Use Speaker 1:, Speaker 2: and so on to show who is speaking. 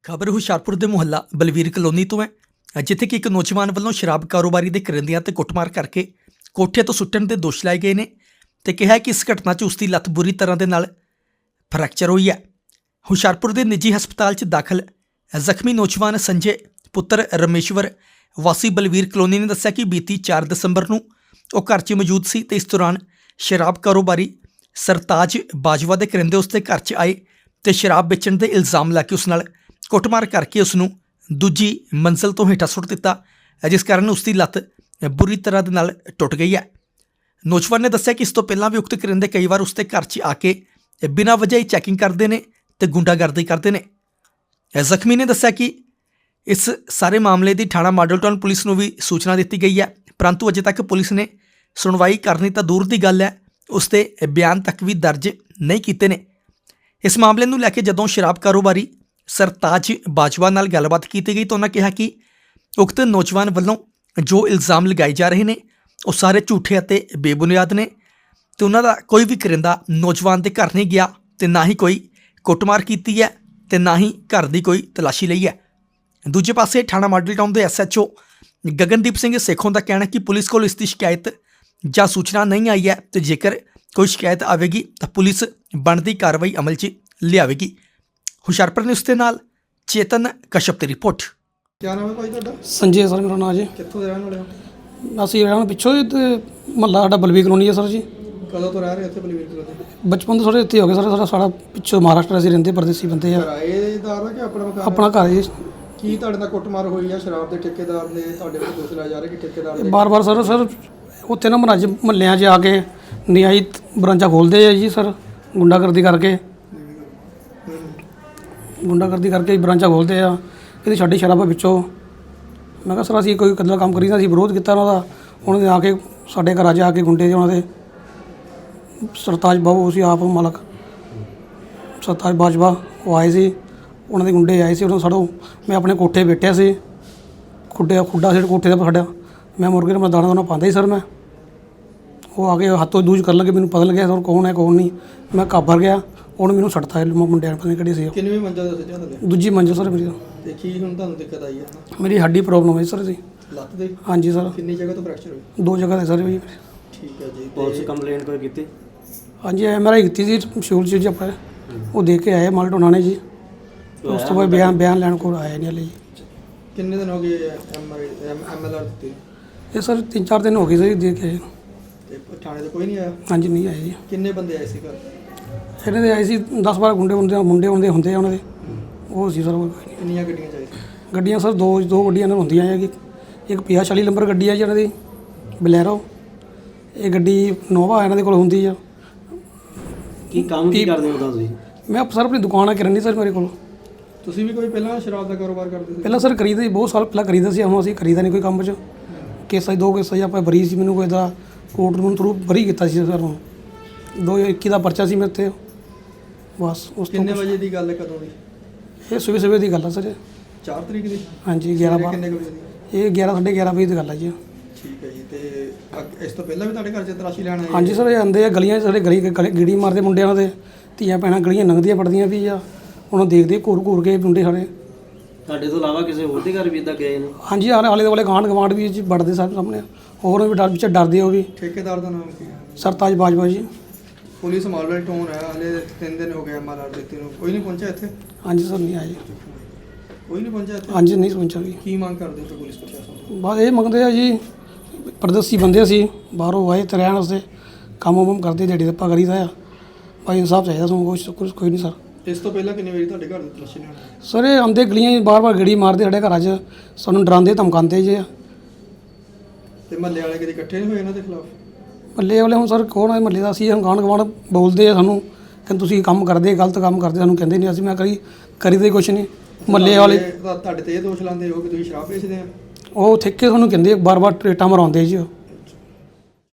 Speaker 1: ਖਬਰ ਹੁਸ਼ਿਆਰਪੁਰ ਦੇ ਮੁਹੱਲਾ ਬਲਵੀਰ ਕਲੋਨੀ ਤੋਂ ਹੈ ਜਿੱਥੇ ਕਿ ਇੱਕ ਨੌਜਵਾਨ ਵੱਲੋਂ ਸ਼ਰਾਬ ਕਾਰੋਬਾਰੀ ਦੇ ਕਰਿੰਦਿਆਂ ਤੇ ਕੁੱਟਮਾਰ ਕਰਕੇ ਕੋਠੇ ਤੋਂ ਸੁੱਟਣ ਦੇ ਦੋਸ਼ ਲਾਏ ਗਏ ਨੇ ਤੇ ਕਿਹਾ ਕਿ ਇਸ ਘਟਨਾ 'ਚ ਉਸ ਦੀ ਲੱਤ ਬੁਰੀ ਤਰ੍ਹਾਂ ਦੇ ਨਾਲ ਫ੍ਰੈਕਚਰ ਹੋਈ ਹੈ। ਹੁਸ਼ਿਆਰਪੁਰ ਦੇ ਨਿੱਜੀ ਹਸਪਤਾਲ 'ਚ ਦਾਖਲ ਜ਼ਖਮੀ ਨੌਜਵਾਨ ਸੰਜੇ ਪੁੱਤਰ ਰਮੇਸ਼ਵਰ ਵਾਸੀ ਬਲਵੀਰ ਕਲੋਨੀ ਨੇ ਦੱਸਿਆ ਕਿ ਬੀਤੀ 4 ਦਸੰਬਰ ਨੂੰ ਉਹ ਘਰ 'ਚ ਮੌਜੂਦ ਸੀ ਤੇ ਇਸ ਦੌਰਾਨ ਸ਼ਰਾਬ ਕਾਰੋਬਾਰੀ ਸਰਤਾਜ ਬਾਜਵਾ ਦੇ ਕਰਿੰਦੇ ਉਸ ਦੇ ਘਰ 'ਚ ਆਏ ਤੇ ਸ਼ਰਾਬ ਵੇਚਣ ਦੇ ਇਲਜ਼ਾਮ ਲਾ ਕੇ ਉਸ ਨਾਲ ਕੁੱਟਮਾਰ ਕਰਕੇ ਉਸ ਨੂੰ ਦੂਜੀ ਮੰਜ਼ਲ ਤੋਂ ਹੇਠਾਂ ਸੁੱਟ ਦਿੱਤਾ, ਜਿਸ ਕਾਰਨ ਉਸ ਦੀ ਲੱਤ ਬੁਰੀ ਤਰ੍ਹਾਂ ਦੇ ਨਾਲ ਟੁੱਟ ਗਈ ਹੈ। ਨੌਜਵਾਨ ਨੇ ਦੱਸਿਆ ਕਿ ਇਸ ਤੋਂ ਪਹਿਲਾਂ ਵੀ ਉਕਤ ਕਰਿੰਦੇ ਕਈ ਵਾਰ ਉਸ ਦੇ ਘਰ 'ਚ ਆ ਕੇ ਬਿਨਾਂ ਵਜ੍ਹਾ ਹੀ ਚੈਕਿੰਗ ਕਰਦੇ ਨੇ ਤੇ ਗੁੰਡਾਗਰਦੀ ਕਰਦੇ ਨੇ। ਜ਼ਖਮੀ ਨੇ ਦੱਸਿਆ ਕਿ ਇਸ ਸਾਰੇ ਮਾਮਲੇ ਦੀ ਥਾਣਾ ਮਾਡਲ ਟਾਊਨ ਪੁਲਿਸ ਨੂੰ ਵੀ ਸੂਚਨਾ ਦਿੱਤੀ ਗਈ ਹੈ, ਪਰੰਤੂ ਅਜੇ ਤੱਕ ਪੁਲਿਸ ਨੇ ਸੁਣਵਾਈ ਕਰਨੀ ਤਾਂ ਦੂਰ ਦੀ ਗੱਲ ਹੈ, ਉਸ ਦੇ ਬਿਆਨ ਤੱਕ ਵੀ ਦਰਜ ਨਹੀਂ ਕੀਤੇ ਨੇ। ਇਸ ਮਾਮਲੇ ਨੂੰ ਲੈ ਕੇ ਜਦੋਂ ਸ਼ਰਾਬ ਕਾਰੋਬਾਰੀ ਸਰਤਾਜ ਬਾਜਵਾ ਨਾਲ ਗੱਲਬਾਤ ਕੀਤੀ ਗਈ ਤਾਂ ਉਹਨਾਂ ਕਿਹਾ ਕਿ ਉਕਤ ਨੌਜਵਾਨ ਵੱਲੋਂ ਜੋ ਇਲਜ਼ਾਮ ਲਗਾਏ ਜਾ ਰਹੇ ਨੇ ਉਹ ਸਾਰੇ ਝੂਠੇ ਅਤੇ ਬੇਬੁਨਿਆਦ ਨੇ ਤੇ ਉਹਨਾਂ ਦਾ ਕੋਈ ਵੀ ਕਰਿੰਦਾ ਨੌਜਵਾਨ ਦੇ ਘਰ ਨਹੀਂ ਗਿਆ ਤੇ ਨਾ ਹੀ ਕੋਈ ਕੁੱਟਮਾਰ ਕੀਤੀ ਹੈ ਤੇ ਨਾ ਹੀ ਘਰ ਦੀ ਕੋਈ ਤਲਾਸ਼ੀ ਲਈ ਹੈ। ਦੂਜੇ ਪਾਸੇ ਥਾਣਾ ਮਾਡਲ ਟਾਊਨ ਦੇ SHO ਗਗਨਦੀਪ ਸਿੰਘ ਸੇਖੋਂ ਦਾ ਕਹਿਣਾ ਕਿ ਪੁਲਿਸ ਕੋਲ ਇਸ ਦੀ ਸ਼ਿਕਾਇਤ ਜਾਂ ਸੂਚਨਾ ਨਹੀਂ ਆਈ ਹੈ ਤੇ ਜੇਕਰ ਕੋਈ ਸ਼ਿਕਾਇਤ ਆਵੇਗੀ ਤਾਂ ਪੁਲਿਸ ਬਣਦੀ ਕਾਰਵਾਈ ਅਮਲ 'ਚ ਲਿਆਵੇਗੀ। ਹੁਸ਼ਿਆਰਪੁਰ ਨਿਊਜ਼ ਦੇ ਨਾਲ ਚੇਤਨ ਕਸ਼ਪ ਦੀ ਰਿਪੋਰਟ।
Speaker 2: क्या नाम है भाई ਤੁਹਾਡਾ?
Speaker 3: संजय सर मेरा नाम जी।
Speaker 2: ਕਿੱਥੋਂ ਦੇ ਰਹਿਣ ਵਾਲੇ ਹੋ?
Speaker 3: ਅਸੀਂ ਰਹਿਣਾ ਪਿੱਛੋਂ ਹੀ ਤੇ ਮਹੱਲਾ ਸਾਡਾ ਬਲਵੀਰ ਕਲੋਨੀ ਹੈ ਸਰ ਜੀ।
Speaker 2: ਕਦੋਂ ਤੋਂ ਰਹਿ ਰਹੇ ਇੱਥੇ ਬਲਵੀਰ ਕਲੋਨੀ?
Speaker 3: ਬਚਪਨ ਤੋਂ ਸਾਡੇ ਇੱਥੇ ਹੋ ਗਏ ਸਰ। ਸਾਡਾ ਪਿੱਛੋਂ ਮਹਾਰਾਸ਼ਟਰ ਅਸੀਂ ਰਹਿੰਦੇ, ਪਰਦੇਸੀ ਬੰਦੇ ਆ।
Speaker 2: ਕਿਰਾਏਦਾਰ ਆ ਕਿ ਆਪਣਾ ਮਕਾਨ?
Speaker 3: ਆਪਣਾ ਘਰ ਜੀ।
Speaker 2: ਕੀ ਤੁਹਾਡੇ ਨਾਲ ਕੁੱਟਮਾਰ ਹੋਈ ਆ? ਸ਼ਰਾਬ ਦੇ ਠੇਕੇਦਾਰ ਨੇ ਤੁਹਾਡੇ ਕੋਲ ਦੋਸ਼ ਲਾਏ ਜਾ ਰਹੇ ਕਿ ਠੇਕੇਦਾਰ ਨੇ
Speaker 3: ਬਾਰ-ਬਾਰ ਸਰ ਉੱਥੇ ਨਾ ਮਹੱਲਿਆਂ 'ਚ ਆ ਕੇ ਨਿਆਈ ਬਰਾਂਚਾਂ ਖੋਲ੍ਹਦੇ ਆ ਜੀ ਸਰ, ਗੁੰਡਾਗਰਦੀ ਕਰਕੇ ਬਰਾਂਚਾਂ ਖੋਲ੍ਹਦੇ ਆ। ਇਹਦੀ ਸਾਡੀ ਸ਼ਰਾਬ ਵਿੱਚੋਂ ਮੈਂ ਕਿਹਾ ਸਰ ਅਸੀਂ ਕੋਈ ਕਦਲਾ ਕੰਮ ਕਰੀ ਤਾਂ ਅਸੀਂ ਵਿਰੋਧ ਕੀਤਾ ਉਹਨਾਂ ਦੇ ਆ ਕੇ ਸਾਡੇ ਘਰ ਆ ਕੇ ਗੁੰਡੇ ਉਹਨਾਂ ਦੇ ਸਰਤਾਜ ਬਾਬੂ ਸੀ ਆਪ ਮਾਲਕ ਸਰਤਾਜ ਬਾਜਵਾ ਉਹ ਆਏ ਸੀ, ਉਹਨਾਂ ਦੇ ਗੁੰਡੇ ਆਏ ਸੀ। ਉਹਨਾਂ ਸਾਡੋਂ ਮੈਂ ਆਪਣੇ ਕੋਠੇ ਬੈਠਿਆ ਸੀ, ਖੁੱਡਾ ਸੀ ਕੋਠੇ ਦਾ ਸਾਡਾ, ਮੈਂ ਮੁਰਗੇ ਨੂੰ ਮੈਂ ਦਾਣਾ ਦੋਣਾ ਪਾਉਂਦਾ ਸੀ ਸਰ। ਮੈਂ ਉਹ ਆ ਕੇ ਹੱਥੋਂ ਦੂਜ ਕਰਨ ਲੱਗੇ, ਮੈਨੂੰ ਪਤਾ ਲੱਗਿਆ ਸਰ ਕੌਣ ਹੈ ਕੌਣ ਨਹੀਂ। ਮੈਂ ਘਾਬਰ ਗਿਆ, ਉਹਨੇ ਮੈਨੂੰ ਸੱਟਤਾ ਮੁੰਡਿਆਂ ਨੇ, ਪਤਾ ਨਹੀਂ ਕਿਹੜੀ ਸੀ।
Speaker 2: ਕਿੰਨੀ ਮੰਜ਼ਲ ਦੱਸਿਆ ਥੱਲੇ?
Speaker 3: ਦੂਜੀ ਮੰਜ਼ਿਲ ਸਰ ਮੇਰੀ।
Speaker 2: ਤੇ ਕੀ ਹੁਣ ਤੁਹਾਨੂੰ ਦਿੱਕਤ ਆਈ ਹੈ?
Speaker 3: ਮੇਰੀ ਹੱਡੀ ਪ੍ਰੋਬਲਮ ਹੋਈ ਸਰ ਜੀ,
Speaker 2: ਲੱਤ ਦੇ?
Speaker 3: ਹਾਂਜੀ ਸਰ।
Speaker 2: ਕਿੰਨੀ ਜਗ੍ਹਾ ਤੋਂ ਫ੍ਰੈਕਚਰ ਹੋਈ?
Speaker 3: 2 ਜਗ੍ਹਾ 'ਤੇ ਸਰ ਜੀ।
Speaker 2: ਠੀਕ ਹੈ ਜੀ।
Speaker 4: ਪੁਲਿਸ ਕੰਪਲੇਂਟ ਕੋਈ ਕੀਤੀ?
Speaker 3: ਹਾਂਜੀ MRI ਕੀਤੀ ਸੀ ਸ਼ੂਲ 'ਚ ਜੀ ਆਪਾਂ, ਉਹ ਦੇ ਕੇ ਆਏ ਮਾਲਟ ਉਹਨਾਂ ਨੇ ਜੀ। ਉਸ ਤੋਂ ਬਾਅਦ ਬਿਆਨ ਲੈਣ ਕੋਲ ਆਇਆ ਨਹੀਂ ਹਲੇ ਜੀ।
Speaker 2: ਕਿੰਨੇ ਦਿਨ ਹੋ ਗਏ MLR ਦਿੱਤੀ?
Speaker 3: ਇਹ ਸਰ 3-4 ਦਿਨ ਹੋ ਗਏ ਸਰ ਦੇ ਕੇ।
Speaker 2: ਤੇ ਥਾਣੇ ਤੇ ਕੋਈ ਨਹੀਂ ਆਇਆ?
Speaker 3: ਹਾਂਜੀ ਨਹੀਂ ਆਏ ਜੀ।
Speaker 2: ਕਿੰਨੇ ਬੰਦੇ ਆਏ ਸੀ ਘਰ?
Speaker 3: ਇਹਨਾਂ ਦੇ ਆਏ ਸੀ 10-12 ਮੁੰਡੇ ਹੁੰਦੇ ਆ ਉਹਨਾਂ ਦੇ, ਉਹ ਸੀ ਸਰ।
Speaker 2: ਕਿੰਨੀਆਂ ਗੱਡੀਆਂ ਚਾਹੀਦੀਆਂ?
Speaker 3: ਗੱਡੀਆਂ ਸਰ ਦੋ ਗੱਡੀਆਂ ਨਾਲ ਹੁੰਦੀਆਂ ਹੈ। ਇੱਕ 50-40 ਨੰਬਰ ਗੱਡੀ ਹੈ ਜੀ ਇਹਨਾਂ ਦੀ ਬਲੈਰੋ, ਇਹ ਗੱਡੀ ਨੋਵਾ ਇਹਨਾਂ ਦੇ ਕੋਲ ਹੁੰਦੀ ਆ।
Speaker 4: ਕੀ ਕੰਮ ਕੀ ਕਰਦੇ ਹੋ ਤੁਸੀਂ?
Speaker 3: ਮੈਂ ਸਰ ਆਪਣੀ ਦੁਕਾਨ ਆ ਕਿਰਾਨੇ ਸਰ ਮੇਰੇ ਕੋਲ।
Speaker 2: ਤੁਸੀਂ ਵੀ ਕੋਈ ਪਹਿਲਾਂ ਸ਼ਰਾਬ ਦਾ ਕਾਰੋਬਾਰ ਕਰਦੇ ਸੀ?
Speaker 3: ਪਹਿਲਾਂ ਸਰ ਕਰੀਦਾ ਸੀ, ਬਹੁਤ ਸਾਲ ਪਹਿਲਾਂ ਕਰੀਦਾ ਸੀ। ਹੁਣ ਅਸੀਂ ਕਰੀਦਾ ਨਹੀਂ ਕੋਈ ਕੰਮ 'ਚ। ਕੇਸਾਂ 2 ਕੇਸਾਂ ਆਪਾਂ ਬਰੀ ਸੀ, ਮੈਨੂੰ ਕੋਈ ਦਾ ਕੋਰਟ ਨੂੰ ਥਰੂ ਬਰੀ ਕੀਤਾ ਸੀ ਸਰ। 2021 ਦਾ ਪਰਚਾ ਸੀ ਮੇਰੇ 'ਤੇ ਬਸ। ਉਸ ਤੋਂ
Speaker 2: ਕਿੰਨੇ ਵਜੇ ਦੀ ਗੱਲ ਹੈ, ਕਦੋਂ ਦੀ?
Speaker 3: ਇਹ ਸਵੇਰੇ ਦੀ ਗੱਲ ਆ ਸਰ।
Speaker 2: 4 ਤਰੀਕ ਦੀ?
Speaker 3: ਹਾਂਜੀ 11
Speaker 2: ਕਿੰਨੇ ਵਜੇ ਦੀ?
Speaker 3: ਇਹ 11-11:30 ਵਜੇ ਦੀ ਗੱਲ ਆ ਜੀ।
Speaker 2: ਠੀਕ ਹੈ ਜੀ। ਤੇ ਇਸ ਤੋਂ ਪਹਿਲਾਂ ਵੀ ਤੁਹਾਡੇ ਘਰ 'ਚ ਤਲਾਸ਼ੀ ਲੈਣ ਆਏ?
Speaker 3: ਹਾਂਜੀ ਸਰ, ਇਹ ਆਉਂਦੇ ਆ ਗਲੀਆਂ 'ਚ, ਸਾਡੇ ਗੀੜੀ ਮਾਰਦੇ ਮੁੰਡਿਆਂ ਦੇ, ਧੀਆਂ ਭੈਣਾਂ ਗਲੀਆਂ ਲੰਘਦੀਆਂ ਪੜਦੀਆਂ ਵੀ ਆ, ਉਹਨਾਂ ਦੇਖਦੇ ਘੂਰ ਕੇ ਮੁੰਡੇ ਸਾਡੇ।
Speaker 4: ਤੁਹਾਡੇ ਤੋਂ ਇਲਾਵਾ ਕਿਸੇ ਹੋਰ ਦੇ ਘਰ ਵੀ ਇੱਦਾਂ ਗਏ ਨੇ?
Speaker 3: ਹਾਂਜੀ ਆਲੇ ਦੁਆਲੇ ਗਵਾਂਢ ਵੀ ਜੀ ਵੜਦੇ ਸਾਡੇ ਸਾਹਮਣੇ, ਹੋਰ ਵੀ ਡਰ ਵਿੱਚ ਡਰਦੇ ਉਹ ਵੀ।
Speaker 2: ਠੇਕੇਦਾਰ ਦਾ ਨਾਮ ਕੀ ਹੈ?
Speaker 3: ਸਰਤਾਜ ਬਾਜਵਾ ਜੀ।
Speaker 2: ਪੁਲਿਸ ਮਾਡਲ ਟਾਊਨ ਹੈ, ਹਲੇ 3 ਦਿਨ ਹੋ ਗਏ MLR ਦਿੱਤੇ ਨੂੰ, ਕੋਈ ਨਹੀਂ ਪਹੁੰਚਿਆ ਇੱਥੇ?
Speaker 3: ਹਾਂਜੀ ਸਰ ਨਹੀਂ ਆਏ।
Speaker 2: ਕੋਈ ਨਹੀਂ ਪਹੁੰਚਿਆ ਇੱਥੇ?
Speaker 3: ਹਾਂਜੀ ਨਹੀਂ ਪਹੁੰਚਿਆ ਜੀ।
Speaker 2: ਕੀ ਮੰਗ ਕਰਦੇ ਹੋ ਪੁਲਿਸ ਪ੍ਰਸ਼ਾਸਨ?
Speaker 3: ਬਸ ਇਹ ਮੰਗਦੇ ਆ ਜੀ, ਪਰਦੇਸੀ ਬੰਦੇ ਸੀ ਬਾਹਰੋਂ ਆਏ ਤੇ ਰਹਿਣ ਵਾਸਤੇ, ਕੰਮ ਕਰਦੇ ਦਿਹਾੜੀ ਦੱਪਾ ਕਰੀਦਾ ਆ। ਭਾਈ ਇਨਸਾਫ ਚਾਹੀਦਾ ਸਾਨੂੰ, ਕੁਛ ਕੋਈ ਨਹੀਂ ਸਰ।
Speaker 2: ਇਸ ਤੋਂ ਪਹਿਲਾਂ ਕਿੰਨੀ ਵਾਰੀ ਤੁਹਾਡੇ ਘਰ ਦੀ ਤਲਾਸ਼ੀ ਲੈਣ?
Speaker 3: ਸਰ ਇਹ ਆਉਂਦੇ ਗਲੀਆਂ ਬਾਰ ਗੇੜੀ ਮਾਰਦੇ ਸਾਡੇ ਘਰਾਂ 'ਚ, ਸਾਨੂੰ ਡਰਾਉਂਦੇ ਧਮਕਾਉਂਦੇ ਜੇ।
Speaker 2: ਤੇ ਮਹੱਲੇ ਵਾਲੇ ਕਦੇ ਇਕੱਠੇ ਨਹੀਂ ਹੋਏ ਇਹਨਾਂ ਦੇ ਖਿਲਾਫ?
Speaker 3: ਮਹੱਲੇ ਵਾਲੇ ਹੁਣ ਸਰ ਕੌਣ ਹੈ ਮਹੱਲੇ ਦਾ? ਅਸੀਂ ਗਾਂਢ ਗਵਾਂਢ ਬੋਲਦੇ ਆ ਸਾਨੂੰ ਕਿ ਤੁਸੀਂ ਕੰਮ ਕਰਦੇ, ਗਲਤ ਕੰਮ ਕਰਦੇ, ਸਾਨੂੰ ਕਹਿੰਦੇ ਨਹੀਂ। ਅਸੀਂ ਮੈਂ ਕਰੀਦੇ ਕੁਛ ਨਹੀਂ। ਮਹੱਲੇ ਵਾਲੇ
Speaker 2: ਤੁਹਾਡੇ ਤੇ ਇਹ ਦੋਸ਼ ਲਾਉਂਦੇ ਹੋ ਕਿ ਤੁਸੀਂ ਸ਼ਰਾਬ ਵੇਚਦੇ ਆ?
Speaker 3: ਉਹ ਠੇਕੇ ਤੁਹਾਨੂੰ ਕਹਿੰਦੇ ਬਾਰ-ਬਾਰ ਟਰੇਟਾਂ ਮਰਾਉਂਦੇ ਜੀ।